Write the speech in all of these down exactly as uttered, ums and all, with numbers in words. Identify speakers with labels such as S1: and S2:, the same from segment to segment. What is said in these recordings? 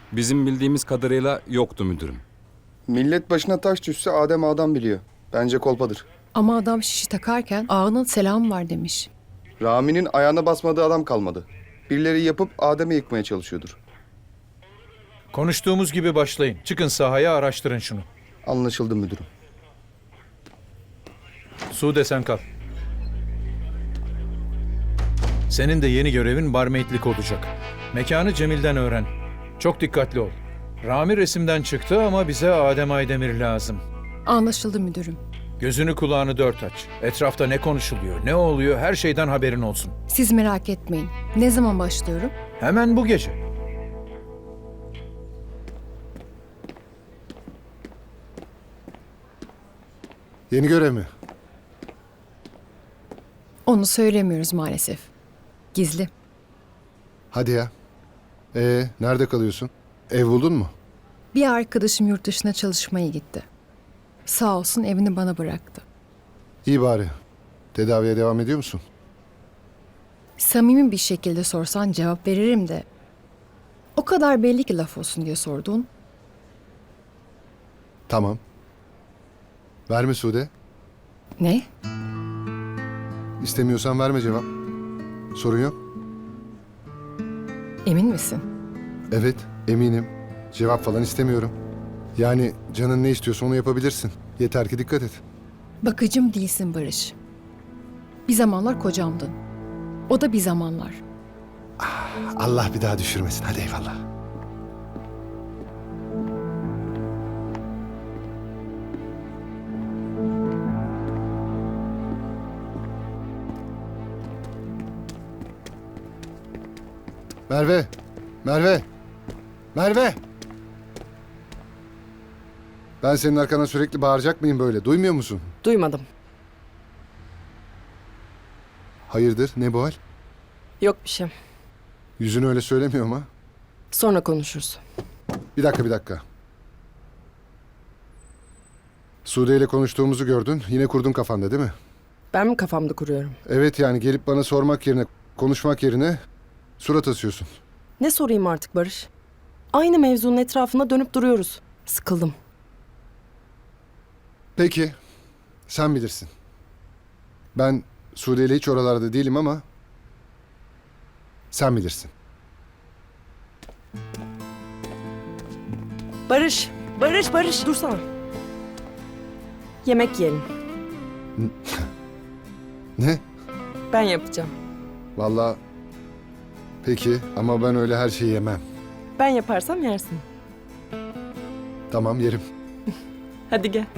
S1: Bizim bildiğimiz kadarıyla yoktu müdürüm.
S2: Millet başına taş düşse Adem adam biliyor. Bence kolpadır.
S3: Ama adam şişi takarken ağanın selamı var demiş.
S2: Rami'nin ayağına basmadığı adam kalmadı. Birileri yapıp Adem'i yıkmaya çalışıyordur.
S4: Konuştuğumuz gibi başlayın. Çıkın sahaya, araştırın şunu.
S2: Anlaşıldı müdürüm.
S4: Sude sen kal. Senin de yeni görevin barmaidlik olacak. Mekanı Cemil'den öğren. Çok dikkatli ol. Rami resimden çıktı ama bize Adem Aydemir lazım.
S3: Anlaşıldı müdürüm.
S4: Gözünü kulağını dört aç. Etrafta ne konuşuluyor, ne oluyor her şeyden haberin olsun.
S3: Siz merak etmeyin. Ne zaman başlıyorum?
S4: Hemen bu gece.
S5: Yeni görev mi?
S3: Onu söylemiyoruz maalesef. Gizli.
S5: Hadi ya. Ee, nerede kalıyorsun? Ev buldun mu?
S3: Bir arkadaşım yurt dışına çalışmaya gitti. Sağ olsun evini bana bıraktı.
S5: İyi bari. Tedaviye devam ediyor musun?
S3: Samimi bir şekilde sorsan cevap veririm de. O kadar belli ki laf olsun diye sordun.
S5: Tamam. Verme Sude.
S3: Ne?
S5: İstemiyorsan verme cevap. Sorun yok.
S3: Emin misin?
S5: Evet, eminim. Cevap falan istemiyorum. Yani canın ne istiyorsa onu yapabilirsin. Yeter ki dikkat et.
S3: Bakıcım değilsin Barış. Bir zamanlar kocamdın. O da bir zamanlar.
S5: Allah bir daha düşürmesin. Hadi eyvallah. Merve! Merve! Merve! Ben senin arkana sürekli bağıracak mıyım böyle? Duymuyor musun?
S6: Duymadım.
S5: Hayırdır? Ne bu hal?
S6: Yok bir şey.
S5: Yüzünü öyle söylemiyor ama.
S6: Sonra konuşuruz.
S5: Bir dakika, bir dakika. Sude ile konuştuğumuzu gördün. Yine kurdun kafanda değil mi?
S6: Ben mi kafamda kuruyorum?
S5: Evet, yani gelip bana sormak yerine, konuşmak yerine surat asıyorsun.
S6: Ne sorayım artık Barış? Aynı mevzunun etrafında dönüp duruyoruz. Sıkıldım.
S5: Peki, sen bilirsin. Ben Sude ile hiç oralarda değilim ama sen bilirsin.
S6: Barış! Barış, Barış! Dursana. Yemek yiyelim.
S5: Ne?
S6: Ben yapacağım.
S5: Vallahi peki ama ben öyle her şeyi yemem.
S6: Ben yaparsam yersin.
S5: Tamam, yerim.
S6: Hadi gel.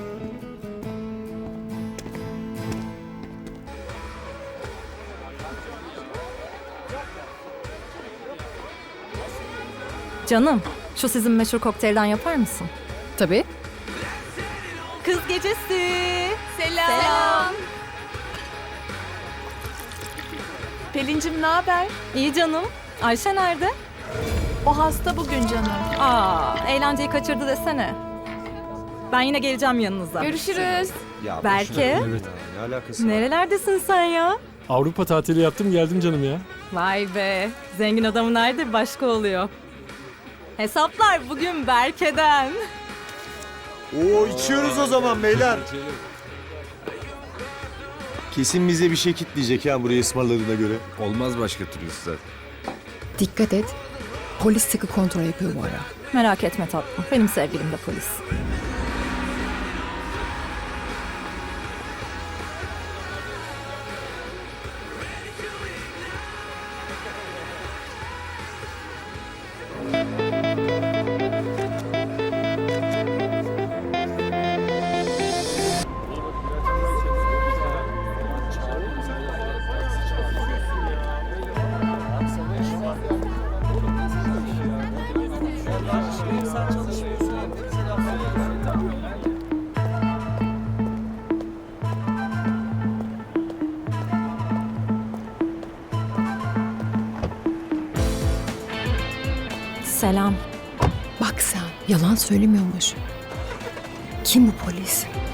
S7: Canım, şu sizin meşhur kokteylden yapar mısın?
S3: Tabii.
S7: Kız gecesi. Selam. Selam.
S8: Pelin'cim ne haber?
S7: İyi canım. Ayşe nerede?
S8: O hasta bugün canım.
S7: Aa, eğlenceyi kaçırdı desene. Ben yine geleceğim yanınıza.
S8: Görüşürüz.
S7: Berke, nerelerdesin sen ya?
S9: Avrupa tatili yaptım geldim canım ya.
S7: Vay be, zengin adamın nerede başka oluyor. Hesaplar bugün Berke'den.
S10: Oo içiyoruz o zaman beyler. Kesin bize bir şey kitleyecek ya burayı ısmarladığına göre.
S1: Olmaz başka türlüsü zaten.
S3: Dikkat et. Polis sıkı kontrol yapıyor bu ara.
S7: Merak etme tatlım, benim sevgilim de polis. Selam.
S3: Bak sen, yalan söylemiyormuş. Kim bu polis?